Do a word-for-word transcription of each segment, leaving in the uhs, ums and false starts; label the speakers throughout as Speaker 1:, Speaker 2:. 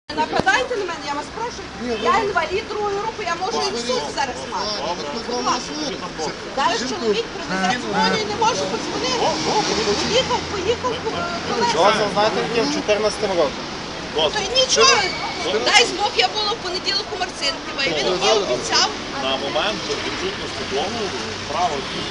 Speaker 1: Нападайте на мене, я вас прошу. Я інвалід другої групи, я можу і в суд зараз мати. Зараз чоловік привезе дзвоню і не можу подзвонити. Поїхав, поїхав колеса.
Speaker 2: Дозвіл, знаєте, який в чотирнадцятому році?
Speaker 1: То й нічого. Дай Бог, я була в понеділок у Марцинкова, і він мені обіцяв.
Speaker 3: На момент відсутності договору право.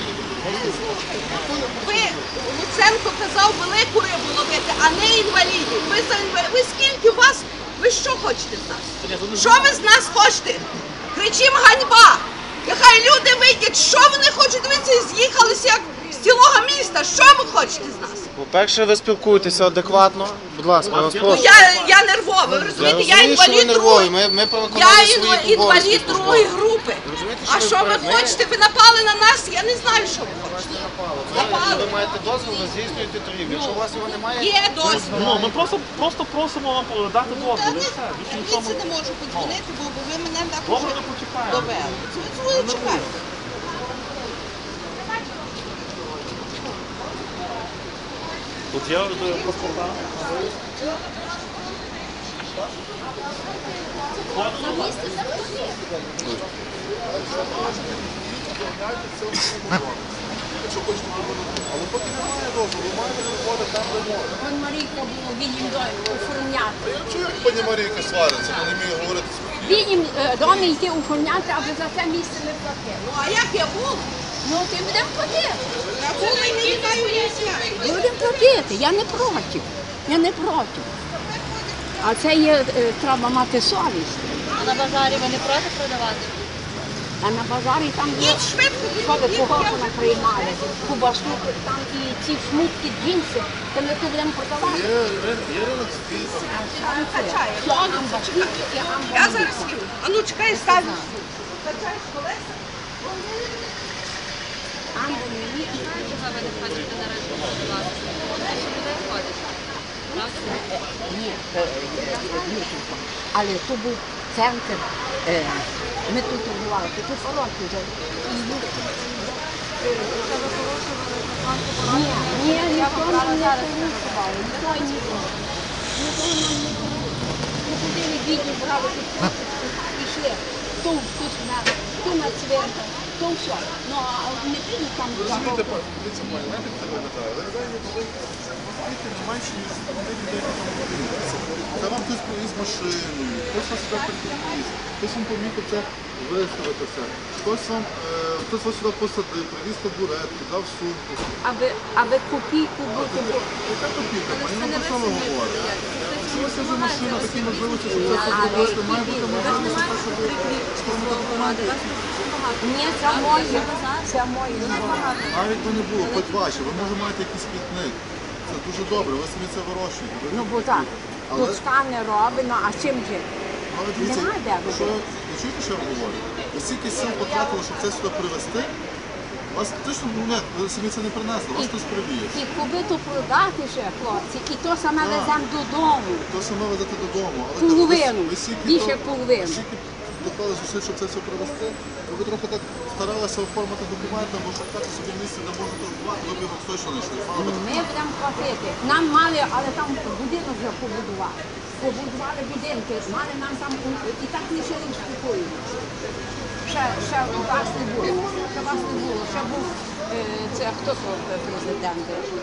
Speaker 1: Ви, Луценко казав, велику рибу ловити, а не інвалідів. Ви за інвалідів. Ви скільки у вас? Ви що хочете з нас? Що ви з нас хочете? Кричимо ганьба! Нехай люди вийдуть, що вони хочуть, дивитися, з'їхалися як з цілого міста. Що ви хочете з нас?
Speaker 2: По-перше, ви спілкуєтеся адекватно. Будь ласка, я вас
Speaker 1: Ну,
Speaker 2: прошу.
Speaker 1: я, я нервова, ви розумієте, я,
Speaker 2: розумію, що ви
Speaker 1: інвалід
Speaker 2: нервові.
Speaker 1: другої.
Speaker 2: Ми, ми
Speaker 1: Я
Speaker 2: виконали свої
Speaker 1: інва- інвалід
Speaker 2: обов'язки
Speaker 1: другої
Speaker 2: службові.
Speaker 1: групи.
Speaker 2: Розумієте,
Speaker 1: А що ви
Speaker 2: ми-
Speaker 1: хочете? Ви напали на нас? Я не знаю, що ви хочете.
Speaker 2: Ви,
Speaker 1: Напали.
Speaker 2: ви маєте дозвіл, ви здійснюєте торгівлю. Якщо у вас його немає,
Speaker 1: Є дозвіл.
Speaker 3: Ну, ми просто, просто просимо вам дати
Speaker 1: Та
Speaker 3: дозвіл.
Speaker 1: не,
Speaker 3: і все. Більше
Speaker 1: я
Speaker 3: нічого
Speaker 1: це
Speaker 3: ми-
Speaker 1: не можу подзвонити, бо ви мене так
Speaker 3: Добре,
Speaker 1: уже
Speaker 3: ми почекаємо.
Speaker 1: довели. Ви чекайте.
Speaker 3: Тут є е, паспорта.
Speaker 4: Але поки немає дозволу, ви маєте виходити там, де можна.
Speaker 5: Пан Марійка було відім оформляти.
Speaker 4: Я чую, як пані Марійка свариться, вона не вміє говорити спокійно.
Speaker 5: Відім домі йти оформляти, аби за це місце не платили.
Speaker 1: Ну, а як я був?
Speaker 5: Ну, ти будемо платити.
Speaker 1: Я була і не знаю, як я.
Speaker 5: Будемо платити, я не проти. Я не проти. А це є, е, треба мати совість.
Speaker 6: А на базарі ви не проти продавати?
Speaker 5: А на базарі там є,
Speaker 1: Їдь швидко,
Speaker 5: що ви
Speaker 1: їдь,
Speaker 5: погано
Speaker 1: я вже
Speaker 5: приймали. Кубашку, там і ці шмутки, джинси, то ми тут будемо продавати.
Speaker 4: Є, є ринок спільно.
Speaker 1: качаю.
Speaker 5: Що амба, тільки амба.
Speaker 1: Я зараз їду. А ну, чекай, ставлю. Качаєш колеса?
Speaker 5: Амба не є.
Speaker 6: Чого ви не хочете на ринку продавати? Більше людей ходять. Правда?
Speaker 5: Ні, е, е, ні, але то був центр. е, Ми тут торгували, то тут палатки вже. Ні, ні, ніхто нам не порушував, ніхто ніхто. Ніхто нам не порушував. Ми ходили бідні, брали тут курточку, пішли. То тут на, то на цвинтар, то все. Ну, а не підуть там
Speaker 4: Розумієте,
Speaker 5: за
Speaker 4: пані, дивіться, пані, знаєте, як це виглядає? Виглядає, ніби ви знаєте, не менше, ніж тих людей, які там подивилися. Це вам хтось привіз машиною, хтось вас сюди приприніс, хтось вам помітив це виставитися, хтось вам, е, хтось вас сюди посадив, привіз табуретку, дав сумку.
Speaker 5: аби, аби копійку бути.
Speaker 4: Яка копійка, пані, ну про що ви говорите? Якщо у вас є вже машина, такі можливості, щоб це продавати, має бути можливість, щоб ви сформувати документи.
Speaker 5: Ні, це моє, це моє.
Speaker 4: Навіть би не було, хоч ваші, ви може маєте якийсь квітник. Це дуже добре, ви самі це вирощуєте. Ви
Speaker 5: Ну,
Speaker 4: не
Speaker 5: бо
Speaker 4: будете.
Speaker 5: так,
Speaker 4: Але,
Speaker 5: тут стане робить, ну, а чим же?
Speaker 4: але дивіться,
Speaker 5: Нема де робити.
Speaker 4: що, ви чуєте, що я вам говорю? Ви стільки сил потратили, щоб це сюди привезти, вас точно, ну не, ви самі це не принесли, вас хтось привіз.
Speaker 5: І кубиту продати ще, хлопці, і то саме
Speaker 4: Так.
Speaker 5: веземо додому.
Speaker 4: То саме везете додому. Але
Speaker 5: Половину,
Speaker 4: ви, ви стільки
Speaker 5: більше
Speaker 4: то-
Speaker 5: половини.
Speaker 4: стільки доклали зусиль, щоб це все привезти. Ви трохи так старалися оформити документи, або шукати собі місце, де можна торгувати, ви б його точно знайшли. Мало би
Speaker 5: Ми будемо платити. Нам мали, але там будинок вже побудували. Побудували будинки, мали нам там і так лишили в спокою. Ще, ще вас не було, ще вас не було, ще був, е, це хто то президент?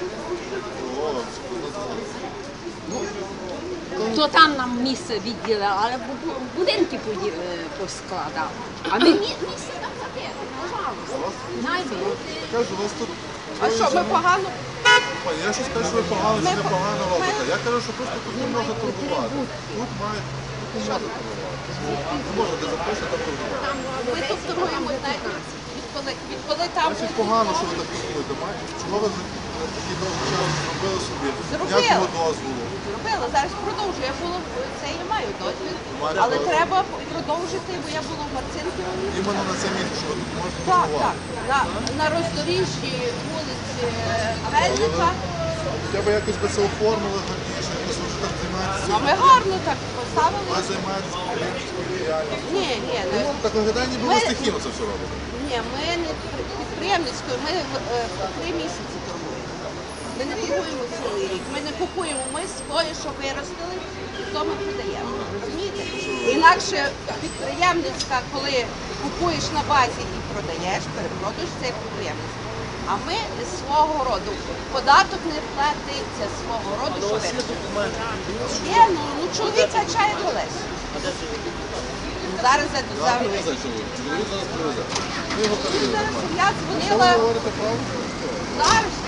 Speaker 5: То там нам місце відділили, але бу- будинки поді- е, поскладали. А ми мі- місце там платили, пожалуйста. Найде.
Speaker 4: кажу, у вас тут...
Speaker 1: А що, ми погано?
Speaker 4: Пані, я щось кажу, що ви погано чи
Speaker 1: Ми
Speaker 4: не
Speaker 1: по-
Speaker 4: погано
Speaker 1: ми-
Speaker 4: робите. Я кажу, що просто тут не можна торгувати. Тут має почати торгувати. Не можна де запрошувати, там торгувати.
Speaker 1: Ми тут торгуємо, знаєте, відколи, відколи там
Speaker 4: Значить,
Speaker 1: був
Speaker 4: погано, що ви так торгуєте. Маєте? Чого ви за за такий довгий час зробили собі?
Speaker 1: Зробили.
Speaker 4: Ніякого дозволу.
Speaker 1: робила. Зараз продовжую. Я була в- це я маю дозвіл,
Speaker 4: Маєте
Speaker 1: але
Speaker 4: дозвіл.
Speaker 1: треба продовжити, бо я була в Марцинківі.
Speaker 4: Іменно на це місце, що ви тут можете
Speaker 1: Так, так.
Speaker 4: торгувати.
Speaker 1: На, на роздоріжжі вулиці Мельника.
Speaker 4: Хоча б якось би це оформили гарніше, якось ви вже так займаєтеся.
Speaker 1: А ми гарно так поставили.
Speaker 4: Ви займаєтеся підприємницькою діяльністю.
Speaker 1: Ні, ні, не.
Speaker 4: Ну, так виглядає, ніби ви
Speaker 1: Ми-
Speaker 4: стихійно це все робите.
Speaker 1: Ні, ми не підприємницькою, ми в- е, три місяці торгуємо. Ми не торгуємо цілий рік. Ми не купуємо. Ми своє, що виростили, і то ми продаємо. Розумієте? Інакше підприємницька, коли купуєш на базі і продаєш, перепродаєш, це є підприємництво. А ми з свого роду. Податок не платиться з свого роду, що виростили. Є, ну, ну чоловік качає колесо. Зараз я тут зараз.
Speaker 4: Привезе чоловік. Чоловік зараз привезе. Ви його перевірите.
Speaker 1: Я дзвонила
Speaker 4: Говорите правду?
Speaker 1: зараз.